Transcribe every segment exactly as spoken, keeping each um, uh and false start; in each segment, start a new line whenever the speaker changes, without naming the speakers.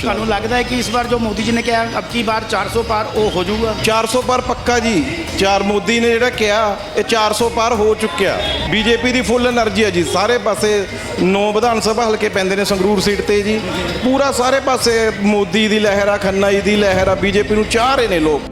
ਤੁਹਾਨੂੰ ਲੱਗਦਾ ਹੈ ਕਿ ਇਸ ਵਾਰ ਜੋ ਮੋਦੀ ਜੀ ਨੇ ਕਿਹਾ ਅਬ ਕੀ ਬਾਰ ਚਾਰ ਸੌ ਪਾਰ ਉਹ ਹੋ ਜਾਊਗਾ?
ਚਾਰ ਸੌ ਪਾਰ ਪੱਕਾ ਜੀ। ਚਾਰ ਮੋਦੀ ਨੇ ਜਿਹੜਾ ਕਿਹਾ ਇਹ ਚਾਰ ਸੌ ਪਾਰ ਹੋ ਚੁੱਕਿਆ। ਬੀਜੇਪੀ ਦੀ ਫੁੱਲ એનર્ਜੀ ਹੈ ਜੀ। ਸਾਰੇ ਪਾਸੇ ਨੌ ਵਿਧਾਨ ਸਭਾ ਹਲਕੇ ਪੈਂਦੇ ਨੇ ਸੰਗਰੂਰ ਸੀਟ ਤੇ ਜੀ। ਪੂਰਾ ਸਾਰੇ ਪਾਸੇ ਮੋਦੀ ਦੀ ਲਹਿਰ ਆ, ਖੰਨਾ ਜੀ ਦੀ ਲਹਿਰ ਆ। ਬੀਜੇਪੀ ਨੂੰ ਚਾਹ ਰਹੇ ਨੇ ਲੋਕ।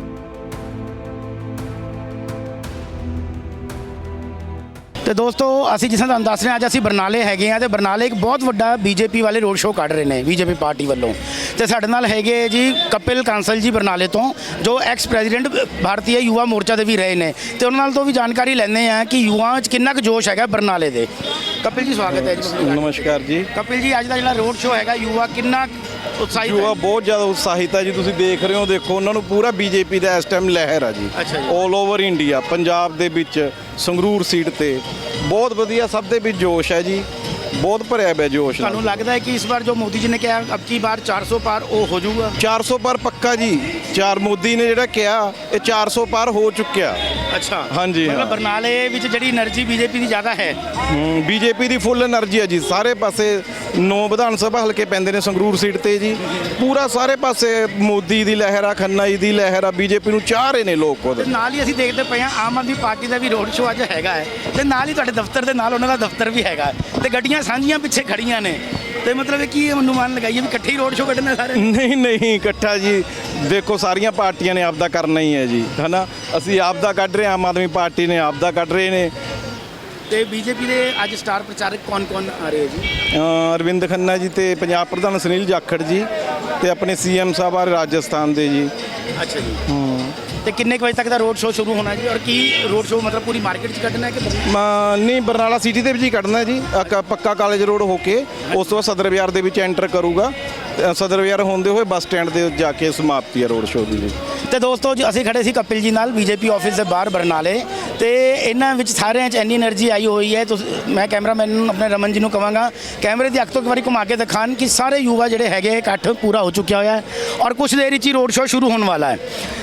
ਤੇ ਦੋਸਤੋ ਅਸੀਂ ਜਿਸ ਤਰ੍ਹਾਂ ਤੁਹਾਨੂੰ ਦੱਸ ਰਹੇ ਹਾਂ, ਅੱਜ ਅਸੀਂ ਬਰਨਾਲੇ ਹੈਗੇ ਆ ਤੇ ਬਰਨਾਲੇ ਇੱਕ ਬਹੁਤ ਵੱਡਾ ਬੀਜੇਪੀ ਵਾਲੇ ਰੋਡ ਸ਼ੋਅ ਕੱਢ ਰਹੇ ਨੇ ਬੀਜੇਪੀ ਪਾਰਟੀ ਵੱਲੋਂ। ਤੇ ਸਾਡੇ ਨਾਲ ਹੈਗੇ ਜੀ ਕਪਿਲ ਕਾਂਸਲ ਜੀ ਬਰਨਾਲੇ ਤੋਂ, ਜੋ ਐਕਸ ਪ੍ਰੈਜ਼ੀਡੈਂਟ ਭਾਰਤੀ ਯੁਵਾ ਮੋਰਚਾ ਦੇ ਵੀ ਰਹੇ ਨੇ, ਤੇ ਉਹਨਾਂ ਨਾਲ ਤੋਂ ਵੀ ਜਾਣਕਾਰੀ ਲੈਂਦੇ ਆ ਕਿ ਯੁਵਾਵਾਂ 'ਚ ਕਿੰਨਾ ਕੁ ਜੋਸ਼ ਹੈਗਾ ਬਰਨਾਲੇ ਦੇ। ਕਪਿਲ ਜੀ ਸਵਾਗਤ ਹੈ ਜੀ।
ਨਮਸਕਾਰ ਜੀ।
ਕਪਿਲ ਜੀ ਅੱਜ ਦਾ ਜਿਹੜਾ ਰੋਡ ਸ਼ੋਅ ਹੈਗਾ ਯੁਵਾ ਕਿੰਨਾ ਉਤਸ਼ਾਹਿਤ ਹੈ?
ਯੁਵਾ ਬਹੁਤ ਜ਼ਿਆਦਾ ਉਤਸ਼ਾਹਿਤ ਹੈ ਜੀ। ਤੁਸੀਂ ਦੇਖ ਰਹੇ ਹੋ, ਦੇਖੋ ਉਹਨਾਂ ਨੂੰ ਪੂਰਾ ਬੀਜੇਪੀ ਦਾ ਇਸ ਟਾਈਮ ਲਹਿਰ ਆ ਜੀ।
ਅੱਛਾ ਜੀ।
ਆਲ ਓਵਰ ਇੰਡੀਆ, ਪੰਜਾਬ ਦੇ ਵਿੱਚ ਸੰਗਰੂਰ ਸੀਟ ਤੇ ਬਹੁਤ ਵਧੀਆ, ਸਭ ਦੇ ਵਿੱਚ ਜੋਸ਼ ਹੈ ਜੀ। ਬਹੁਤ ਭਰਿਆ ਪਿਆ ਜੋਸ਼ ਨਾਲ।
ਤੁਹਾਨੂੰ ਲੱਗਦਾ ਹੈ ਕਿ ਇਸ ਵਾਰ ਜੋ ਮੋਦੀ ਜੀ ਨੇ ਕਿਹਾ ਅਬ ਕੀ ਬਾਰ ਚਾਰ ਸੌ ਪਾਰ ਉਹ ਹੋ ਜਾਊਗਾ?
ਚਾਰ ਸੌ ਪਾਰ ਪੱਕਾ ਜੀ। ਚਾਰ ਮੋਦੀ ਨੇ ਜਿਹੜਾ ਕਿਹਾ ਇਹ ਚਾਰ ਸੌ ਪਾਰ ਹੋ ਚੁੱਕਿਆ।
ਅੱਛਾ,
ਹਾਂਜੀ,
ਮਤਲਬ
ਹਾਂ।
ਬਰਨਾਲੇ ਵਿੱਚ ਜਿਹੜੀ એનર્ਜੀ ਬੀਜੇਪੀ ਦੀ ਜ਼ਿਆਦਾ ਹੈ।
ਬੀਜੇਪੀ ਦੀ ਫੁੱਲ એનર્ਜੀ ਹੈ ਜੀ। ਸਾਰੇ ਪਾਸੇ ਨੌ ਵਿਧਾਨ ਸਭਾ ਹਲਕੇ ਪੈਂਦੇ ਨੇ ਸੰਗਰੂਰ ਸੀਟ ਤੇ ਜੀ। ਪੂਰਾ ਸਾਰੇ ਪਾਸੇ ਮੋਦੀ ਦੀ ਲਹਿਰ ਆ, ਖੰਨਾ ਜੀ ਦੀ ਲਹਿਰ ਆ। ਬੀਜੇਪੀ ਨੂੰ ਚਾਹ ਰਹੇ ਨੇ ਲੋਕ ਉਹਦੇ।
ਤੇ ਨਾਲ ਹੀ ਅਸੀਂ ਦੇਖਦੇ ਪਏ ਹਾਂ ਆਮ ਆਦਮੀ ਪਾਰਟੀ ਦਾ ਵੀ ਰੋਡ ਸ਼ੋਅ ਅੱਜ ਹੈਗਾ ਹੈ, ਤੇ ਨਾਲ ਹੀ ਤੁਹਾਡੇ ਦਫ਼ਤਰ ਦੇ ਨਾਲ ਉਹਨਾਂ ਦਾ ਦਫ਼ਤਰ ਵੀ ਹੈਗਾ ਹੈ, ਤੇ ਗੱਡੀਆਂ ਸਾਂਝੀਆਂ ਪਿੱਛੇ ਖੜੀਆਂ ਨੇ। ਤੇ ਮਤਲਬ ਇਹ ਕੀ ਅਨੁਮਾਨ ਲਗਾਈਏ ਵੀ ਇਕੱਠੇ ਹੀ ਰੋਡ ਸ਼ੋਅ ਕੱਢਣੇ ਸਾਰੇ?
ਨਹੀਂ ਨਹੀਂ, ਇਕੱਠਾ ਜੀ। ਦੇਖੋ ਸਾਰੀਆਂ ਪਾਰਟੀਆਂ ਨੇ ਆਪਦਾ ਕਰਨਾ ਹੀ ਹੈ ਜੀ, ਹਨਾ। ਅਸੀਂ ਆਪਦਾ ਕੱਢ ਰਹੇ ਹਾਂ, ਆਮ ਆਦਮੀ ਪਾਰਟੀ ਨੇ ਆਪਦਾ ਕੱਢ ਰਹੇ ਨੇ।
ਤੇ ਬੀਜੇਪੀ ਦੇ ਅੱਜ ਸਟਾਰ ਪ੍ਰਚਾਰਕ ਕੌਣ ਕੌਣ ਆ ਰਹੇ ਜੀ?
ਅ, ਅਰਵਿੰਦ ਖੰਨਾ ਜੀ ਤੇ ਪੰਜਾਬ ਪ੍ਰਧਾਨ ਸੁਨੀਲ ਜਾਖੜ ਜੀ ਤੇ ਆਪਣੇ ਸੀਐਮ ਸਾਹਿਬ ਆ ਰਾਜਸਥਾਨ ਦੇ ਜੀ।
ਅੱਛਾ ਜੀ। ਤੇ ਕਿੰਨੇ ਕੁ ਵਜੇ ਤੱਕ ਦਾ ਰੋਡ ਸ਼ੋਅ ਸ਼ੁਰੂ ਹੋਣਾ ਜੀ? ਔਰ ਕੀ ਰੋਡ ਸ਼ੋਅ ਮਤਲਬ ਪੂਰੀ ਮਾਰਕੀਟ 'ਚ ਕੱਢਣਾ ਹੈ ਕਿ ਬਰਨਾਲੇ?
ਮ, ਨਹੀਂ, ਬਰਨਾਲਾ ਸਿਟੀ ਦੇ ਵਿੱਚ ਹੀ ਕੱਢਣਾ ਜੀ। ਅ, ਪੱਕਾ ਕਾਲਜ ਰੋਡ ਹੋ ਕੇ ਉਸ ਤੋਂ ਬਾਅਦ ਸਦਰ ਬਾਜ਼ਾਰ ਦੇ ਵਿੱਚ ਐਂਟਰ ਕਰੂਗਾ। ਅ, ਸਦਰ ਬਾਜ਼ਾਰ ਹੁੰਦੇ ਹੋਏ ਬੱਸ ਸਟੈਂਡ ਦੇ ਜਾ ਕੇ ਸਮਾਪਤੀ ਹੈ ਰੋਡ ਸ਼ੋਅ ਦੀ ਜੀ।
ਤੇ ਦੋਸਤੋ ਜੀ ਅਸੀਂ ਖੜੇ ਸੀ ਕਪਿਲ ਜੀ ਨਾਲ ਬੀਜੇਪੀ ਆਫਿਸ ਦੇ ਬਾਹਰ ਬਰਨਾਲੇ, ਤੇ ਇਹਨਾਂ ਵਿੱਚ ਸਾਰਿਆਂ 'ਚ ਇੰਨੀ એનર્ਜੀ ਆਈ ਹੋਈ ਹੈ। ਤੁਸੀਂ ਮੈਂ ਕੈਮਰਾਮੈਨ ਨੂੰ ਆਪਣੇ ਰਮਨ ਜੀ ਨੂੰ ਕਹਾਂਗਾ ਕੈਮਰੇ ਦੀ ਅੱਖ ਤੋਂ ਇੱਕ ਵਾਰੀ ਘੁਮਾ ਕੇ ਦਿਖਾਣ ਕਿ ਸਾਰੇ ਯੁਵਾ ਜਿਹੜੇ ਹੈਗੇ ਇਕੱਠ ਪੂਰਾ ਹੋ ਚੁੱਕਿਆ ਹੋਇਆ ਹੈ, ਔਰ ਕੁਝ ਦੇਰ ਵਿੱਚ ਹੀ ਰੋਡ ਸ਼ੋਅ ਸ਼ੁਰੂ ਹੋਣ ਵਾਲਾ ਹੈ।